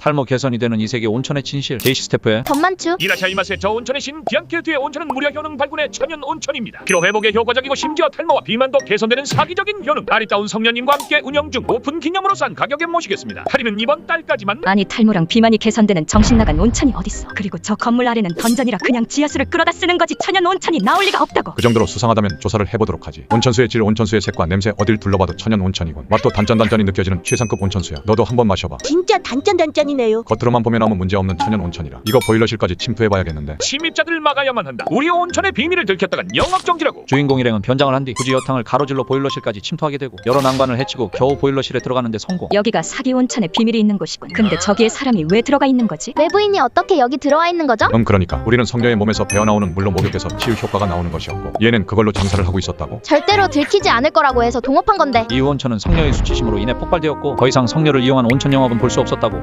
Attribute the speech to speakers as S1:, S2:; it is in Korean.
S1: 탈모 개선이 되는 이 세계 온천의 진실. 제이시 스태프의
S2: 덤만추.
S3: 이라샤이마세. 저 온천의 신 비앙케르트의 온천은 무려 효능 발군의 천연 온천입니다. 피로 회복에 효과적이고 심지어 탈모와 비만도 개선되는 사기적인 효능. 아리따운 성년님과 함께 운영 중. 오픈 기념으로 싼 가격에 모시겠습니다. 할인은 이번 달까지만.
S4: 아니 탈모랑 비만이 개선되는 정신나간 온천이 어딨어. 그리고 저 건물 아래는 던전이라 그냥 지하수를 끌어다 쓰는 거지 천연 온천이 나올 리가 없다고.
S5: 그 정도로 수상하다면 조사를 해보도록 하지. 온천수의 질, 온천수의 색과 냄새 어딜 둘러봐도 천연 온천이군. 맛도 단짠단짠이 느껴지는 최상급 온천수야. 너도 한번 마셔봐.
S2: 진짜 단짠단짠이네요.
S5: 겉으로만 보면 아무 문제 없는 천연 온천이라. 이거 보일러실까지 침투해봐야겠는데.
S3: 침입자들 막아야만 한다. 우리 온천의 비밀을 들켰다간 영업정지라고.
S1: 주인공 일행은 변장을 한 뒤 굳이 여탕을 가로질러 보일러실까지 침투하게 되고 여러 난관을 헤치고 겨우 보일러실에 들어가는데 성공.
S4: 여기가 사기 온천에 비밀이 있는 곳이군. 근데 저기에 사람이 왜 들어가 있는 거지?
S2: 외부인이 어떻게 여기 들어와 있는 거죠?
S5: 그러니까 우리는 성녀의 몸에서 배어나오는 물로 목욕해서 치유 효과가 나오는 것이었고 얘는 그걸로 장사를 하고 있었다고.
S2: 절대로 들키지 않을 거라고 해서 동업한 건데.
S1: 이 온천은 성녀의 수치심으로 인해 폭발되었고 더 이상 성녀를 이용한 온천 영업은 볼 수 없었다고.